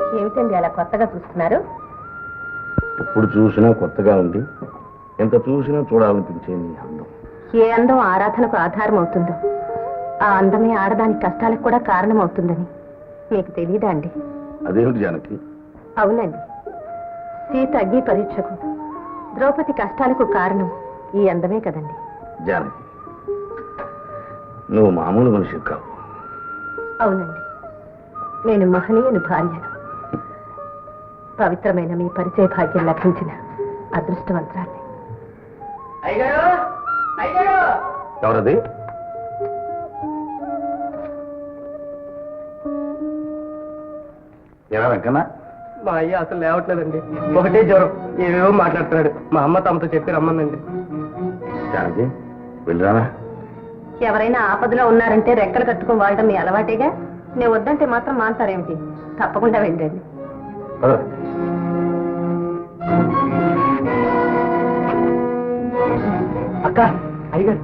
ఏమిటండి అలా కొత్తగా చూస్తున్నారు? ఎప్పుడు చూసినా కొత్తగా ఉంది, ఎంత చూసినా చూడాలనిపించేది అందం. ఏ అందం ఆరాధనకు ఆధారం అవుతుందో ఆ అందమే ఆడదాని కష్టాలకు కూడా కారణం అవుతుందని మీకు తెలియదా అండి? అదేమిటి జానకి? అవునండి, సీత అగ్ని పరీక్షకు, ద్రౌపది కష్టాలకు కారణం ఈ అందమే కదండి. జానకి, నువ్వు మామూలు మనిషి కావు. అవునండి, నేను మహనీయుని భార్యను. పవిత్రమైన మీ పరిచయ భాగ్యం లభించిన అదృష్టవంతురాన్ని. ఎవరది? ఎలా వెంకన్నా? మా అయ్య అసలు లేవట్లేదండి, ఒకటే జ్వరం, ఏవేవో మాట్లాడుతున్నాడు. మా అమ్మ తమతో చెప్పి రమ్మందండి. జానకి, వెళ్ళరానా? ఎవరైనా ఆపదలో ఉన్నారంటే రెక్కలు కట్టుకుని వాడడం మీ అలవాటేగా. నేను వద్దంటే మాత్రం మాంటారేమిటి? తప్పకుండా వెళ్ళండి. అక్క, అయ్యగారు.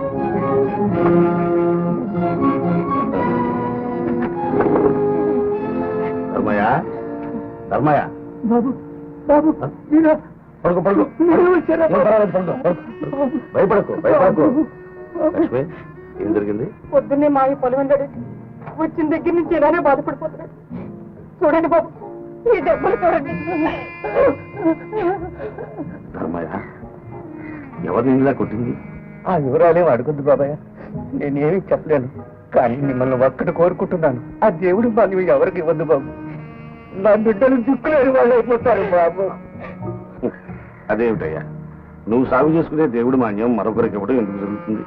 ధర్మయ్య, ధర్మయ్య. బాబు, బాబు, మీరా? పడుకో, పడుకో, భయపడకు, భయపడకు. లక్ష్మి, ఏం జరిగింది? పొద్దున్నే మా పొలం వచ్చిన దగ్గర నుంచి ఇలానే బాధపడిపోతున్నాడు. చూడండి బాబు, ఈ దెబ్బలు చూడండి. ధర్మయ్య, ఎవరిని ఇలా కొట్టింది? ఆ వివరాలే అడుగుద్దు బాబాయ్, నేనేమీ చెప్పలేను. కానీ మిమ్మల్ని ఒక్కటి కోరుకుంటున్నాను, ఆ దేవుడు వాళ్ళు ఎవరికి ఇవ్వద్దు బాబు. నా బిడ్డలు దిక్కులేని వాళ్ళు అయిపోతారు బాబు. అదేమిటయ్యా, నువ్వు సాగు చేసుకునే దేవుడు మాన్యం మరొకరికి ఇవ్వడం ఎందుకు జరుగుతుంది?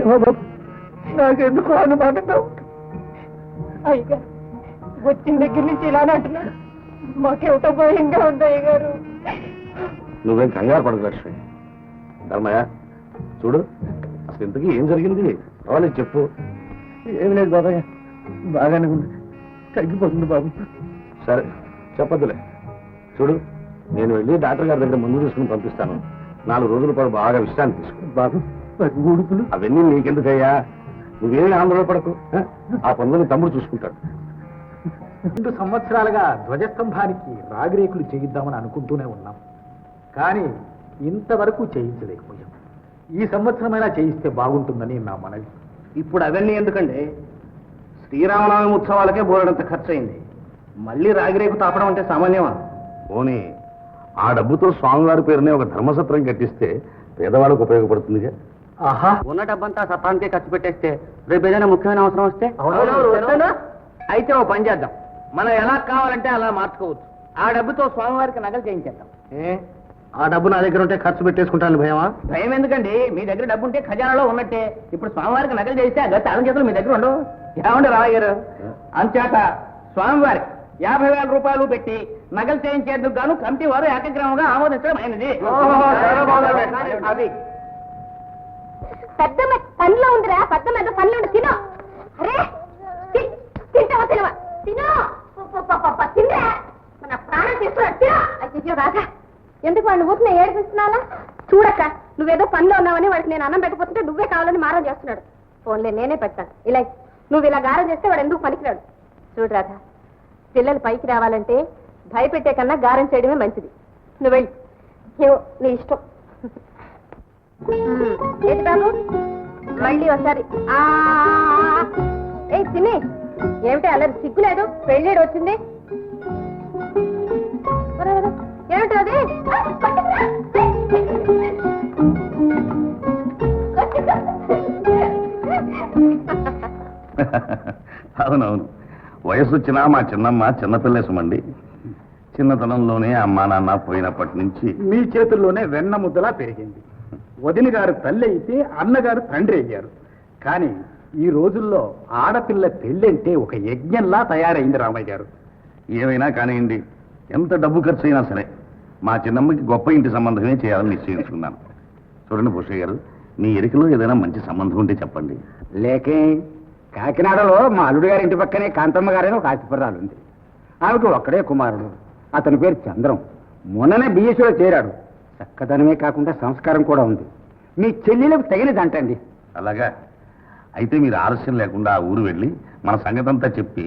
నాకెందుకు అనుమానంగా అయ్యగారు, వచ్చిన దగ్గర నుంచి ఇలానే అంటున్నాడు. మాకేమిటో భయంగా ఉంది అయ్యగారు. నువ్వేం కంగారు పడదు లక్ష్మి. ధర్మయ్య, చూడు, అసలు ఇంతకీ ఏం జరిగింది? రావాలి చెప్పు. ఏమి లేదు బాబాయ్, బాగానే ఉంది, తగ్గిపోతుంది బాబు. సరే, చెప్పద్దులే. చూడు, నేను వెళ్ళి డాక్టర్ గారి దగ్గర ముందు తీసుకుని పంపిస్తాను. 4 రోజుల పాటు బాగా విశ్రాంతి తీసుకో. బాబు, ఊడుపులు అవన్నీ నీకెందుకయ్యా? నువ్వేమి ఆందోళన పడకు, ఆ పనులను తమ్ముడు చూసుకుంటాడు. 2 సంవత్సరాలుగా ధ్వజస్తంభానికి రాగిరేకులు చేయిద్దామని అనుకుంటూనే ఉన్నాం, కానీ ఇంతవరకు చేయించలేకపోయాం. ఈ సంవత్సరమైనా చేయిస్తే బాగుంటుందని నా మనవి. ఇప్పుడు అవన్నీ ఎందుకండి? శ్రీరామనవమి ఉత్సవాలకే బోలెడంత ఖర్చు అయింది. మళ్ళీ రాగిరేకు తాపడం అంటే సామాన్యమా? పోనీ ఆ డబ్బుతో స్వామివారి పేరునే ఒక ధర్మసత్రం కట్టిస్తే పేదవాళ్ళకు ఉపయోగపడుతుందిగా. ఆహా, ఉన్న డబ్బంతా సత్రానికే ఖర్చు పెట్టేస్తే రేపు ఏదైనా ముఖ్యమైన అవసరం వస్తే అయితే ఓ పని చేద్దాం. మనం ఎలా కావాలంటే అలా మార్చుకోవచ్చు. ఆ డబ్బుతో స్వామివారికి నగలు చేయించేద్దాం. ఆ డబ్బు నా దగ్గర ఉంటే ఖర్చు పెట్టేసుకుంటాను. భయమా? భయం ఎందుకండి? మీ దగ్గర డబ్బు ఉంటే ఖజానాలో ఉన్నట్టే. ఇప్పుడు స్వామివారికి నగలు చేస్తే ఆ తాళం చేతులు మీ దగ్గర ఉండవు. ఏమండి రావయ్య గారు, అంచేత స్వామివారి 50,000 రూపాయలు పెట్టి నగలు చేయించేందుకు గాను కమిటీ వారు ఏకగ్రహంగా ఆమోదించడం అయినది. అది పెద్ద పనిలో ఉందిరా, పెద్ద మీద పనిలో ఉంది. తినో, అరే తింటావా? తినవా? తినో, తినరా, మన ప్రాణం తీసుకున్నాడు. తినో. అయ్యో రాజా, ఎందుకు వాడిని ఊరిని ఏడిపిస్తున్నాలా? చూడక్క, నువ్వేదో పనిలో ఉన్నావని వాడికి నేను అన్నం పెట్టకపోతుంటే నువ్వే కావాలని మారం చేస్తున్నాడు. ఫోన్లే, నేనే పెడతాను. ఇలా నువ్వు ఇలా గారం చేస్తే వాడు ఎందుకు పనికిరాడు. చూడు రాధా, పిల్లలు పైకి రావాలంటే భయపెట్టే కన్నా గారం చేయడమే మంచిది. నువ్వు వెళ్ళి ఏవో నీ ఇష్టం. ఏంటి బాబు, మళ్ళీ ఒకసారి ఏ తిని ఏమిటి అలా సిగ్గులేదు? పెళ్ళేడు వచ్చింది ఏమిటి అది? అవునవును, వయసు వచ్చినా మా చిన్నమ్మ చిన్నపిల్లే సుమండి. చిన్నతనంలోనే అమ్మా నాన్న పోయినప్పటి నుంచి మీ చేతుల్లోనే వెన్న ముద్దలా పెరిగింది. వదిన గారు తల్లి అయితే అన్నగారు తండ్రి అయ్యారు. కానీ ఈ రోజుల్లో ఆడపిల్ల పెళ్ళంటే ఒక యజ్ఞంలా తయారైంది రామయ్య గారు. ఏమైనా కానివ్వండి, ఎంత డబ్బు ఖర్చు అయినా సరే మా చిన్నమ్మకి గొప్ప ఇంటి సంబంధమే చేయాలని నిశ్చయించుకున్నాను. చూడండి భూషయ్య గారు, మీ ఎరికలో ఏదైనా మంచి సంబంధం ఉంటే చెప్పండి. లేకే, కాకినాడలో మా అల్లుడు గారి ఇంటి పక్కనే కాంతమ్మ గారైన ఒక ఆస్తిపర్రాలు ఉంది. ఆమెకు ఒక్కడే కుమారుడు, అతని పేరు చంద్రం. మొన్ననే బిఎస్సీలో చేరాడు. చక్కదనమే కాకుండా సంస్కారం కూడా ఉంది. మీ చెల్లెలకు తగినదంటండి. అలాగా అయితే మీరు ఆలస్యం లేకుండా ఆ ఊరు వెళ్ళి మన సంగతంతా చెప్పి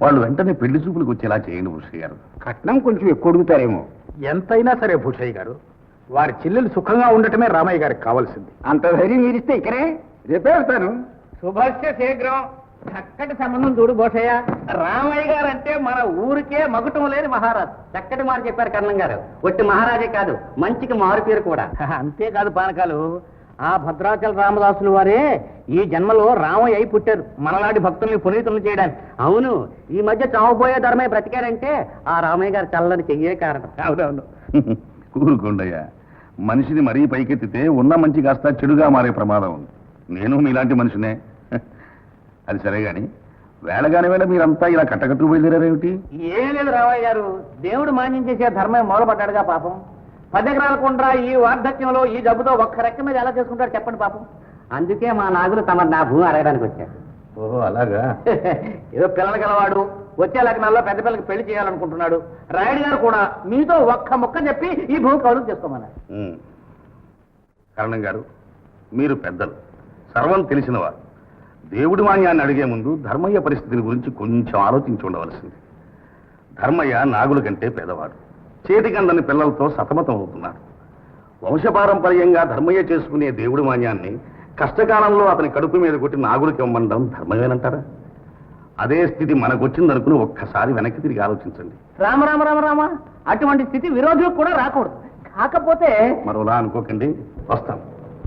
వాళ్ళు వెంటనే పెళ్లి చూపులకు వచ్చేలా చేయండి భూషయ్య గారు. కట్నం కొంచెం ఎక్కువ అడుగుతారేమో. ఎంతైనా సరే భూషయ్య గారు, వారి చెల్లెలు సుఖంగా ఉండటమే రామయ్య గారికి కావాల్సింది. అంత ధైర్యం మీరిస్తే ఇక్కడే రేపే వెళ్తాను. శుభస్య శీఘ్రం. చక్కటి సంబంధం చూడు భూషయ్య. రామయ్య గారు అంటే మన ఊరికే మగుటం లేని మహారాజు. చక్కటి మాట చెప్పారు కర్ణం గారు. ఒట్టి మహారాజే కాదు, మంచికి మారు పేరు కూడా. అంతేకాదు పానకాలు, ఆ భద్రాచల రామదాసులు వారే ఈ జన్మలో రామయ్య అయి పుట్టారు, మనలాంటి భక్తుల్ని పునీతులను చేయడానికి. అవును, ఈ మధ్య చావబోయే ధర్మయ్య బ్రతికారంటే ఆ రామయ్య గారు చల్లని చెయ్యే కారణం. అవునవును. కూరుకోండయ్యా, మనిషిని మరీ పైకెత్తితే ఉన్న మంచి కాస్త చెడుగా మారే ప్రమాదం ఉంది. నేను మీలాంటి మనిషినే. అది సరే గాని వేళగాని వేళ మీరంతా ఇలా కట్టకట్టు బయలుదేరారేమిటి? ఏం లేదు రామయ్య గారు, దేవుడు మాన్యం చేసే ధర్మయ్య మొదలుపడ్డాడుగా పాపం. 10 ఎకరాల కుండ్రా ఈ వార్ధక్యంలో ఈ జబ్బుతో ఒక్క రెక్క మీద ఎలా చేసుకుంటారు చెప్పండి పాపం. అందుకే మా నాగులు తమ నా భూమి అడగడానికి వచ్చారు. ఓహో అలాగా. ఏదో పిల్లలు గలవాడు, వచ్చే లగ్నాల్లో పెద్ద పిల్లకి పెళ్లి చేయాలనుకుంటున్నాడు. రాయుడు గారు కూడా మీతో ఒక్క ముక్క చెప్పి ఈ భూమి కౌలు చేసుకోమన్నారు. కరణం గారు, మీరు పెద్దలు, సర్వం తెలిసినవారు. దేవుడి మాన్యాన్ని అడిగే ముందు ధర్మయ్య పరిస్థితిని గురించి కొంచెం ఆలోచించి ఉండవలసింది. ధర్మయ్య నాగుల కంటే పేదవాడు, చేతికందని పిల్లలతో సతమతం అవుతున్నాడు. వంశపారంపర్యంగా ధర్మయ్య చేసుకునే దేవుడి మాన్యాన్ని కష్టకాలంలో అతని కడుపు మీద కొట్టి నాగులకి ఇవ్వమండం ధర్మమేనంటారా? అదే స్థితి మనకొచ్చిందనుకుని ఒక్కసారి వెనక్కి తిరిగి ఆలోచించండి. రామ రామ రామ రామ, అటువంటి స్థితి విరోధులకు కూడా రాకూడదు. కాకపోతే మరోలా అనుకోకండి, వస్తాం.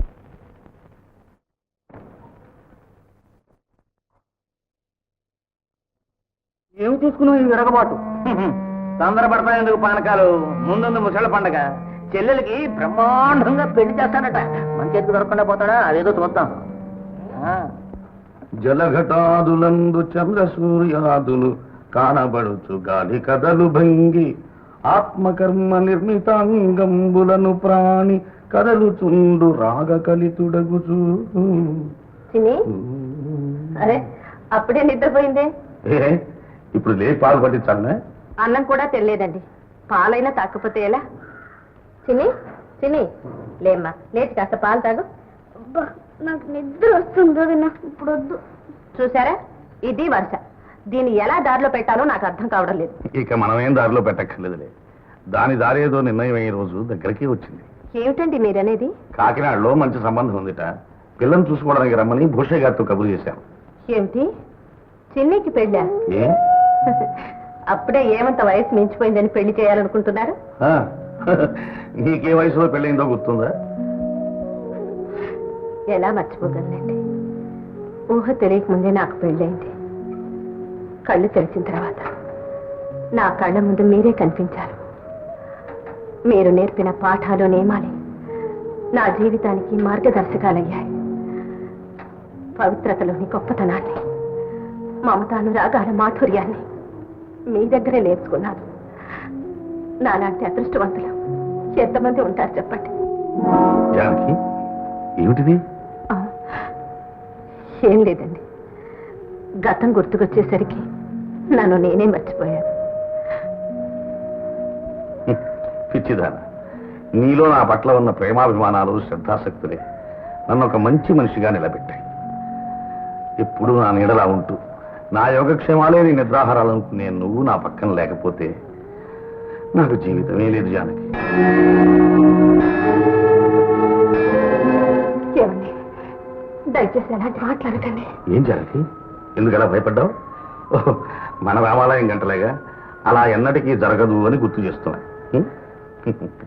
ఏమి చూసుకున్నావు ఈ విరగబాటు? తొందరపడిపోయేందుకు పానకాలు. ముందు ముసళ్ళ పండగ, చెల్లెలకి బ్రహ్మాండంగా పెళ్లి చేస్తాడట. మన చేతికి దొరకకుండా పోతాడా? అదేదో చూద్దాం. జలఘటాదులందు చంద్ర సూర్యాదులు కానబడుచు గాలి కదలు భంగి ఆత్మకర్మ నిర్మితాంగంబులను ప్రాణి కదలుచుండు రాగ కలితుడగుచు. అరే, అప్పుడే నిద్రపోయిందే. ఇప్పుడు లే పాలు పట్టించాలనే? అన్నం కూడా తెలియదండి. పాలైనా తాకపోతే ఎలా? చిన్ని లేమ్మా, లేచి కాస్త పాలు తాగు. నాకు నిద్ర వస్తుంది, నాకు ఇప్పుడు వద్దు. చూసారా, ఇది వరుస. దీన్ని ఎలా దారిలో పెట్టాలో నాకు అర్థం కావడం లేదు. ఇక మనమేం దారిలో పెట్టక్కర్లేదులే. దాని దారేదో నిర్ణయం అయ్యే రోజు దగ్గరికి వచ్చింది. ఏమిటండి మీరనేది? కాకినాడలో మంచి సంబంధం ఉందిట. పిల్లని చూసుకోవడానికి రమ్మని భూషయ్య గారితో కబురు చేశాం. ఏమిటి, చిన్నికి పెళ్ళా? ఏ అప్పుడే ఏమంత వయసు మించిపోయిందని పెళ్లి చేయాలనుకుంటున్నారు? నీకే వయసులో పెళ్ళైందో గుర్తుందా? ఎలా మర్చిపోగలండి? ఊహ తెలియకముందే నాకు పెళ్ళైంది. కళ్ళు తెరిచిన తర్వాత నా కళ్ళ ముందు మీరే కనిపించారు. మీరు నేర్పిన పాఠాలు నియమాలే నా జీవితానికి మార్గదర్శకాలయ్యాయి. పవిత్రతలోని గొప్పతనాన్ని, మమతానురాగాల మాధుర్యాన్ని మీ దగ్గరే నేర్చుకున్నాను. నాలాంటి అదృష్టవంతులు ఎంతమంది ఉంటారు చెప్పండి. జానకి, ఏమిటిది? ఏం లేదండి, గతం గుర్తుకొచ్చేసరికి నన్ను నేనే మర్చిపోయాను. పిచ్చిదాన, నీలో నా పట్ల ఉన్న ప్రేమాభిమానాలు, శ్రద్ధాశక్తులే నన్ను ఒక మంచి మనిషిగా నిలబెట్టాయి. ఎప్పుడు నా నీడలా ఉంటూ నా యోగక్షేమాలే నీ నిద్రాహారాలనుకునే నువ్వు నా పక్కన లేకపోతే నాకు జీవితమే లేదు జానకి. ఏమండి, దయచేసి అలాంటి మాట్లాడకండి. ఏం జానకి, ఎందుకలా భయపడ్డావు? మన రామాలయం గంటలేగా, అలా ఎన్నటికీ జరగదు అని గుర్తు చేస్తున్నా.